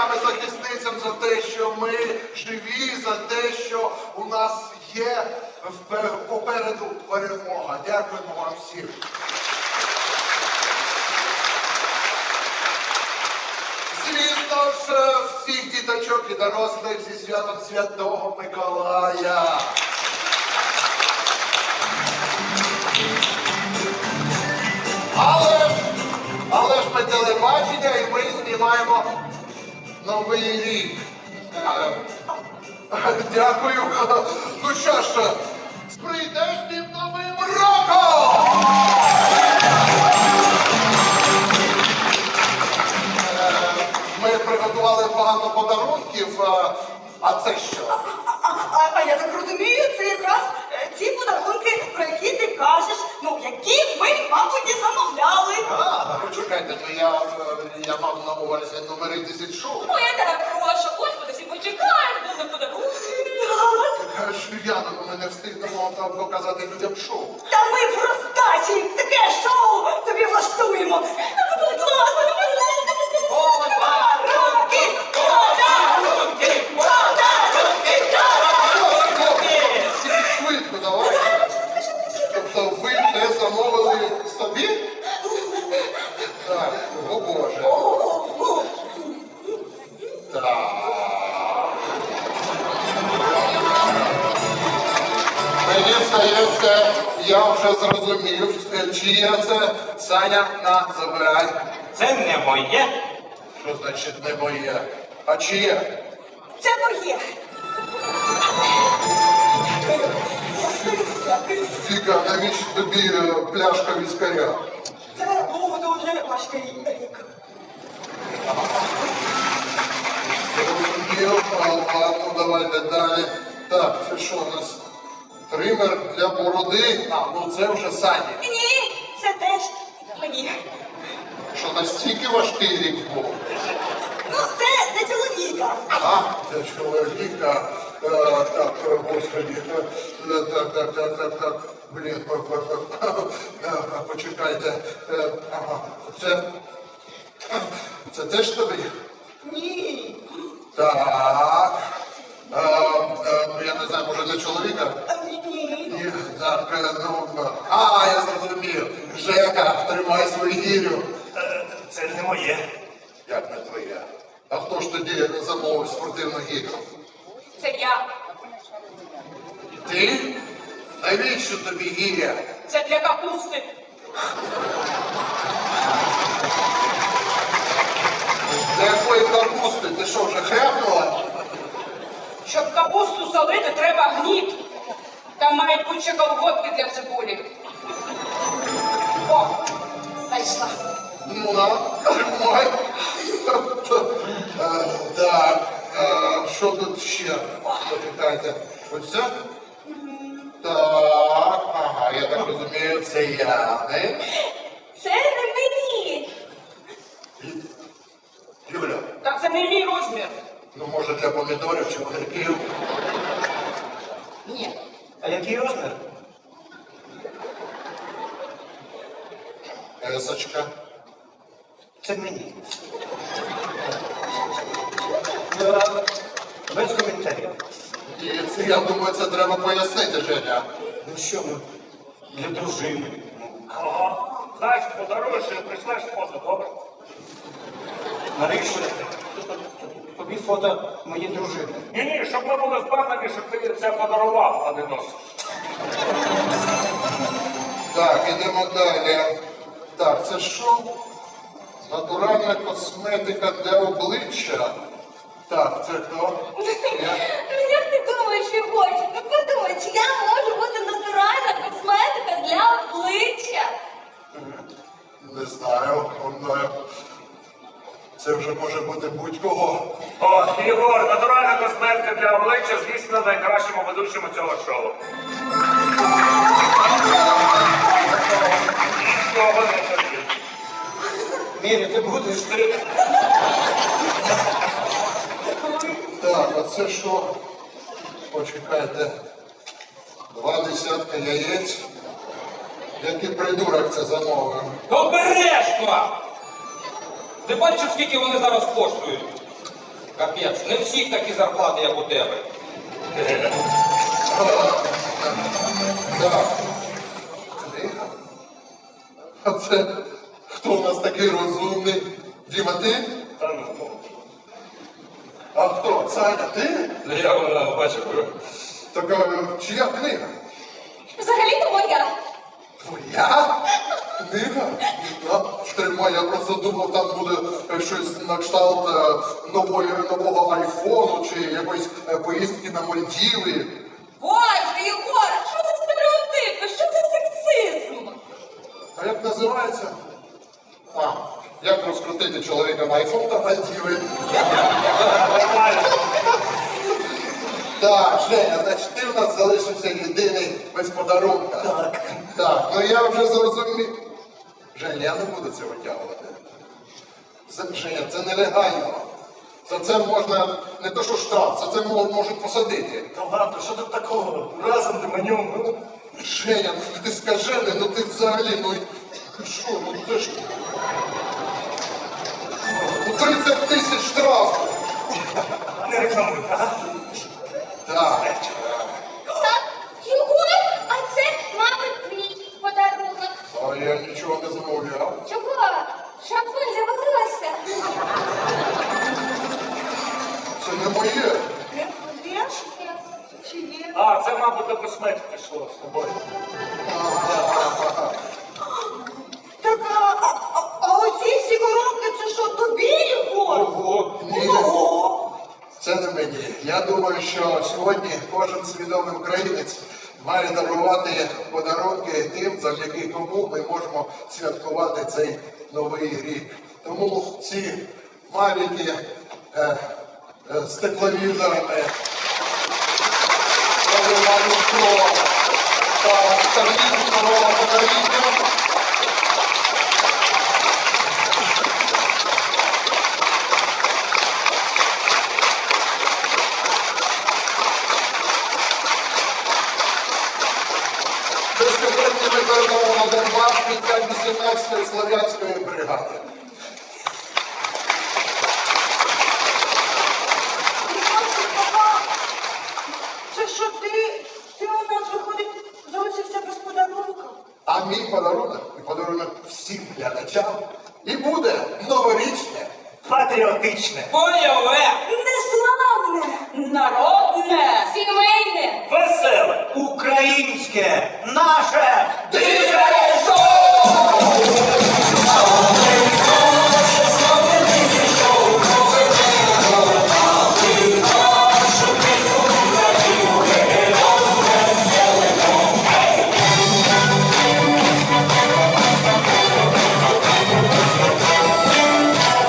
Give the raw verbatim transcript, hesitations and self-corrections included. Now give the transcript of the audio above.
захисникам і захисницям за те, що ми живі, за те, що у нас є попереду перемога. Дякуємо вам всім. Звісно ж, всіх діточок і дорослих зі святом Святого Миколая. Але ж, але ж ми телебачення і ми знімаємо Новий рік. Дякую. Ну що ж, з прийдешнім Новим роком! Ми приготували багато подарунків, а це що? А, а, а я так розумію, це якраз е, ці подарунки, про які ти кажеш, ну, які ми, мабуть, і замовляли. А, почекайте, то я, я мав на увазі номери тисяч шоу. Ну, я тебе прошу, господи, всі почекають, буде подарунки. Так. Яна, ну ми не встигнемо там показати людям шоу. Та ми в роздачі таке шоу тобі влаштуємо. Ну, будь ласка, ну, будь ласка, подарунки, подарунки, подарунки, подарунки. Швидко, давай. Тобто ви не замовили собі? Так, о Боже. Так. Мені здається, я вже зрозумів, чиє це. Саня, на, забирай. Це не моє. Що значить не моє? А чиє? Це моє. Фіка, навіщо тобі е, пляшка віскаря? Це був дуже важкий рік. Зрозумів, а, ладно, давайте далі. Так, це що у нас? Тример для бороди? А, ну це вже Сані. Ні, це теж мені. Що настільки важкий рік був? Ну, це для чоловіка. А, для чоловіка. Е, так, е, господи. Е, так, так, так, так, так. Блін, по- по- по- е, почекайте. Е, ага, це... Це теж тобі? Ні. Так. Е, е, ну, я не знаю, може для чоловіка? Ні. Ні, так, е, ну, е, а, я зрозумів. Жека, тримай свою гірю. Е, Це не моє. Як не твоє? А хто ж тоді замовив спортивну гірю? Це я. Ти? Навіщо тобі гіря? Це для капусти. Для якої капусти? Ти що, вже хряпнула? Щоб капусту солити, треба гніт. Там мають бути ще колготки для цибулі. О, знайшла. Ну, на, тримай. Е, Так, е, що тут ще? Почекайте. Ось це? Так, ага, я так розумію, це Яни. Це не мені. Юля, Так це не мій розмір. ну може для помідорів чи огірків? Ні. А який розмір? Есочка. Це мені. Ну, а, без коментарів. І це, я думаю, це треба пояснити, Женя. Ну що ми? Для дружини. Ага. Знаєш, подаруєш і прийшлеш фото, добре? Навіщо тобі фото моєї дружини? Ні-ні, щоб ми були впевнені, що ти це подарував, а не носиш. Так, ідемо далі. Так, це що? Натуральна косметика для обличчя. Так, це хто? Я? Ну, як ти думаєш, Ігорчик? Ну, подумай, чи я можу бути натуральна косметика для обличчя? Не знаю. Он, це вже може бути будь-кого. О, Ігор, натуральна косметика для обличчя, звісно, найкращому ведучому цього шоу. Нічого не тобі. Мірі, ти будеш? Так, а це що? Почекайте. Два десятка яєць. Який придурок це замовив? Обережно! Ти бачиш, скільки вони зараз коштують? Капець, не всіх такі зарплати, як у тебе. Так. Книга? А це хто у нас такий розумний? Діма, ти? Та ну, А хто? Саня, ти? я вона бачив. Так а, чия книга? Взагалі-то моя. Твоя? Книга? Так, тримай, я просто думав, там буде е, щось на кшталт е, нової, нового айфону чи якоїсь е, поїздки на Мальдіви. Боже, Єгор, що це стереотипи? Що це сексизм? А як називається? А, як розкрутити чоловіка на айфон та Мальдіви. Нормально. Так, Женя, значить, ти в нас залишився єдиний без подарунка. Так. Так, ну я вже зрозумів. Женя, я не буду це витягувати. Це, Женя, це нелегально. За це можна не то що штраф, за це мо- можуть посадити. Та ладно, що тут такого? Разом ти манюм. Ну, Женя, ну ти скажений, ну ти взагалі, ну ти що, ну це ж. Ну тридцять тисяч штрафу. не рекламуй, ага. Так. Так, Єгор, а це, мабуть, твій подарунок. А я нічого не замовляв. Чого? Шампунь для волосся. Це не моє. Не будеш? Чи є? А, це, мабуть, до косметики йшло з тобою. Так, а, а, а, а оці всі коробки, це що, тобі, Єгор? Ого, ні. Ого! Це не мені. Я думаю, що сьогодні кожен свідомий українець має дарувати подарунки тим, завдяки кому ми можемо святкувати цей новий рік. Тому ці маленькі е, е, з тепловізорами, Про та старітного покоління. Це сьогодні ми передамо на Донбас під вісімнадцятої Слов'янської бригади. Це що ти, ти у нас виходить, залишився без подарунка? А мій подарунок і подарунок всім глядачам і буде новорічне. Патріотичне. Бойове! Неславне! Народне! Сімейне! Веселе! Українське. Наше. Диво!